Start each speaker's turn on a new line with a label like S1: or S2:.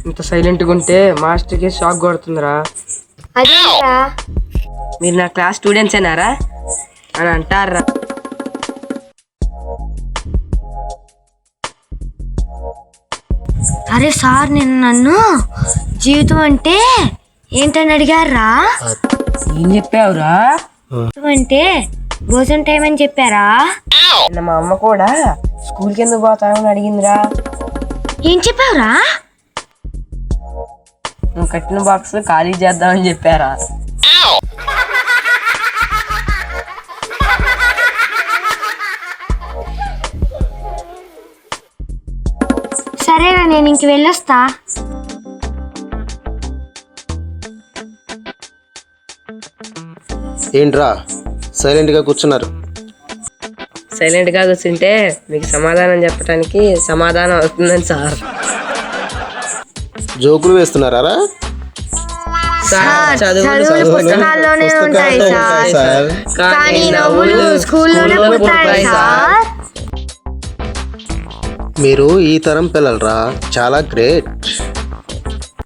S1: ఇంత సైలెంట్గా ఉంటే మాస్టర్కి షాక్ కొడుతుందిరా.
S2: అదేంట్రా?
S1: మీరు నా క్లాస్ స్టూడెంట్స్ ఏనారా అని అంటారా?
S2: అరే సార్, నిన్న నన్ను జీవితం అంటే ఏంటని అడిగారా?
S1: ఏం చెప్పావురా?
S2: జీవితం అంటే భోజనం టైం అని చెప్పారా?
S1: మా అమ్మ కూడా స్కూల్కి ఎందుకు పోతానని అడిగిందిరా.
S2: ఏం చెప్పావురా?
S1: నువ్వు కట్టిన బాక్స్ ఖాళీ చేద్దామని చెప్పారా.
S2: సరేనా, నేను ఇంక వెళ్ళొస్తా.
S3: ఏంట్రా సైలెంట్గా కూర్చున్నారు?
S1: సైలెంట్గా కూర్చుంటే మీకు సమాధానం చెప్పడానికి సమాధానం అవుతుందని సార్.
S3: జోకులు వేస్తున్నారా?
S2: చదువులు పుస్తకాల్లోనే ఉంటాయి సార్, కానీ నవ్వులు స్కూల్లోనే పుడతాయి సార్.
S3: మీరు ఈ తరం పిల్లలరా, చాలా గ్రేట్.